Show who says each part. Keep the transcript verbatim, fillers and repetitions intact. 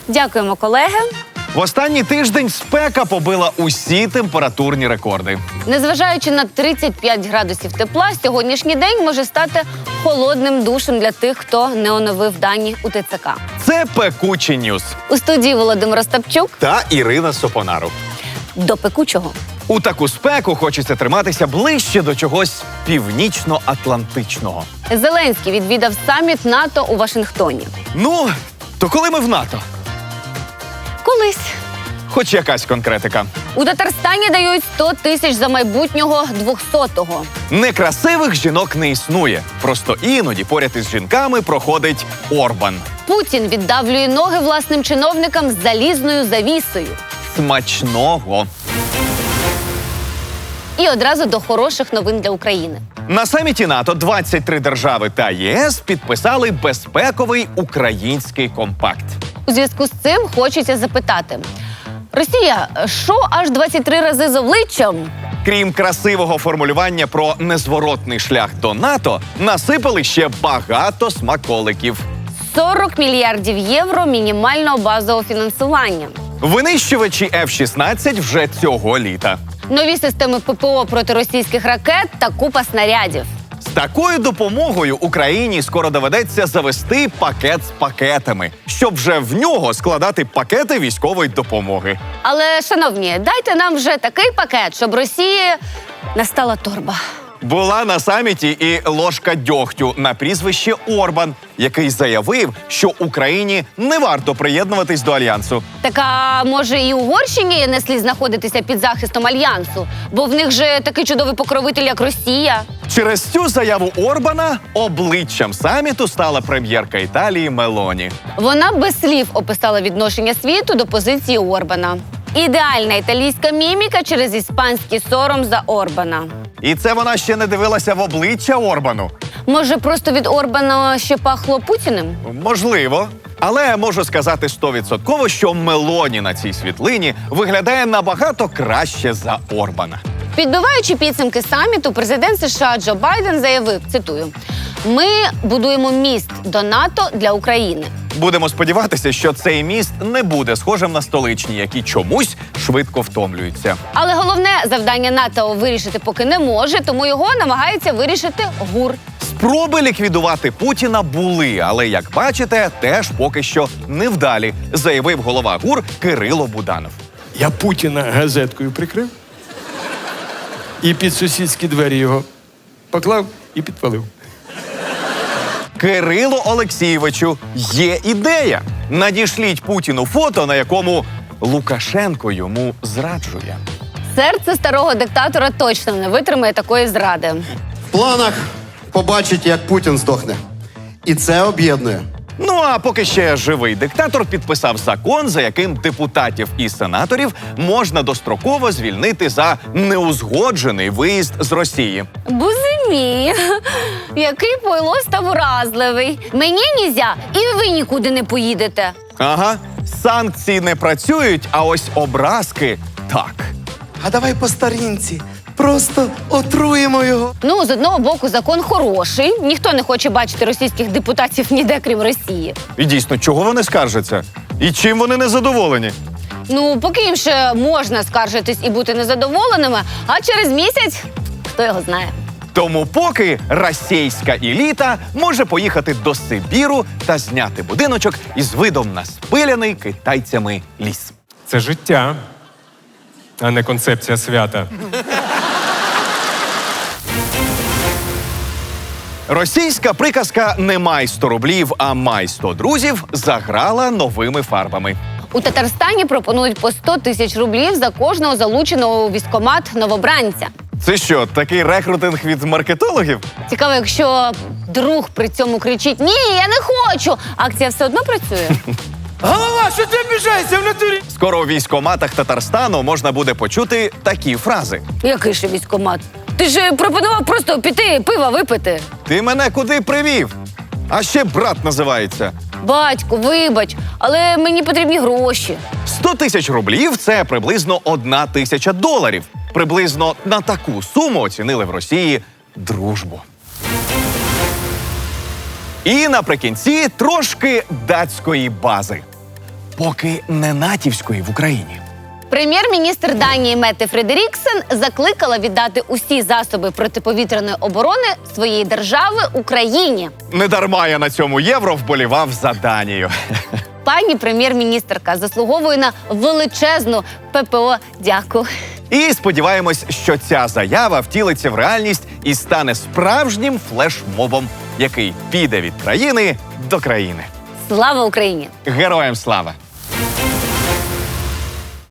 Speaker 1: Дякуємо, колеги.
Speaker 2: В останній тиждень спека побила усі температурні рекорди.
Speaker 1: Незважаючи на тридцять п'ять градусів тепла, сьогоднішній день може стати холодним душем для тих, хто не оновив дані у Т Ц К.
Speaker 2: Це пекучі ньюс.
Speaker 1: У студії Володимир Остапчук.
Speaker 2: Та Ірина Сопонару.
Speaker 1: До пекучого.
Speaker 2: У таку спеку хочеться триматися ближче до чогось північно-атлантичного.
Speaker 1: Зеленський відвідав саміт НАТО у Вашингтоні.
Speaker 2: Ну, то коли ми в НАТО?
Speaker 1: Колись.
Speaker 2: Хоч якась конкретика.
Speaker 1: У Татарстані дають сто тисяч за майбутнього двохсотого.
Speaker 2: Некрасивих жінок не існує. Просто іноді поряд із жінками проходить Орбан.
Speaker 1: Путін віддавлює ноги власним чиновникам з залізною завісою.
Speaker 2: Смачного.
Speaker 1: І одразу до хороших новин для України.
Speaker 2: На саміті НАТО двадцять три держави та Є С підписали безпековий український компакт.
Speaker 1: У зв'язку з цим хочеться запитати. Росія, що аж двадцять три рази з обличчям?
Speaker 2: Крім красивого формулювання про незворотний шлях до НАТО, насипали ще багато смаколиків.
Speaker 1: сорок мільярдів євро мінімального базового фінансування.
Speaker 2: Винищувачі Ф шістнадцять вже цього літа.
Speaker 1: Нові системи П П О проти російських ракет та купа снарядів.
Speaker 2: З такою допомогою Україні скоро доведеться завести пакет з пакетами, щоб вже в нього складати пакети військової допомоги.
Speaker 1: Але, шановні, дайте нам вже такий пакет, щоб Росії настала торба.
Speaker 2: Була на саміті і ложка дьогтю на прізвище Орбан, який заявив, що Україні не варто приєднуватись до Альянсу.
Speaker 1: Так, а може і Угорщині не слід знаходитися під захистом Альянсу? Бо в них же такий чудовий покровитель, як Росія.
Speaker 2: Через цю заяву Орбана обличчям саміту стала прем'єрка Італії Мелоні.
Speaker 1: Вона без слів описала відношення світу до позиції Орбана. Ідеальна італійська міміка через іспанський сором за Орбана.
Speaker 2: І це вона ще не дивилася в обличчя Орбану.
Speaker 1: Може, просто від Орбана ще пахло Путіним?
Speaker 2: Можливо. Але можу сказати стовідсотково, що Мелоні на цій світлині виглядає набагато краще за Орбана.
Speaker 1: Підбиваючи підсумки саміту, президент США Джо Байден заявив, цитую, «Ми будуємо міст до НАТО для України».
Speaker 2: Будемо сподіватися, що цей міст не буде схожим на столичні, які чомусь швидко втомлюються.
Speaker 1: Але головне завдання НАТО вирішити поки не може, тому його намагається вирішити ГУР.
Speaker 2: Спроби ліквідувати Путіна були, але, як бачите, теж поки що невдалі, заявив голова ГУР Кирило Буданов.
Speaker 3: Я Путіна газеткою прикрив і під сусідські двері його поклав і підпалив.
Speaker 2: Кирило Олексійовичу, є ідея. Надішліть Путіну фото, на якому Лукашенко йому зраджує.
Speaker 1: Серце старого диктатора точно не витримає такої зради.
Speaker 4: В планах побачить, як Путін здохне. І це об'єднує.
Speaker 2: Ну а поки ще живий диктатор підписав закон, за яким депутатів і сенаторів можна достроково звільнити за неузгоджений виїзд з Росії.
Speaker 1: Бузимі, який пойло став уразливий. Мені нізя, і ви нікуди не поїдете.
Speaker 2: Ага, санкції не працюють, а ось образки – так.
Speaker 4: А давай по старінці. Просто отруємо його.
Speaker 1: Ну, з одного боку, закон хороший. Ніхто не хоче бачити російських депутатів ніде, крім Росії.
Speaker 2: І дійсно, чого вони скаржаться? І чим вони незадоволені?
Speaker 1: Ну, поки їм ще можна скаржитись і бути незадоволеними, а через місяць хто його знає.
Speaker 2: Тому поки російська еліта може поїхати до Сибіру та зняти будиночок із видом на спиляний китайцями ліс.
Speaker 5: Це життя, а не концепція свята.
Speaker 2: Російська приказка «не май сто рублів, а май сто друзів» заграла новими фарбами.
Speaker 1: У Татарстані пропонують по сто тисяч рублів за кожного залученого у військкомат новобранця.
Speaker 2: Це що, такий рекрутинг від маркетологів?
Speaker 1: Цікаво, якщо друг при цьому кричить «Ні, я не хочу!», акція все одно працює?
Speaker 3: Голова, що ти обіжаєшся в натурі?
Speaker 2: Скоро у військкоматах Татарстану можна буде почути такі фрази.
Speaker 1: Який ще військкомат? Ти ж пропонував просто піти пива випити.
Speaker 2: Ти мене куди привів? А ще брат називається.
Speaker 1: Батько, вибач, але мені потрібні гроші.
Speaker 2: сто тисяч рублів – це приблизно одна тисяча доларів. Приблизно на таку суму оцінили в Росії дружбу. І наприкінці трошки датської бази. поки не натівської в Україні.
Speaker 1: Прем'єр-міністр Данії Метте Фредеріксен закликала віддати усі засоби протиповітряної оборони своєї держави Україні.
Speaker 2: Недарма я на цьому євро вболівав за Данію.
Speaker 1: Пані прем'єр-міністерка заслуговує на величезну ППО дяку.
Speaker 2: І сподіваємось, що ця заява втілиться в реальність і стане справжнім флешмобом, який піде від країни до країни.
Speaker 1: Слава Україні!
Speaker 2: Героям слава!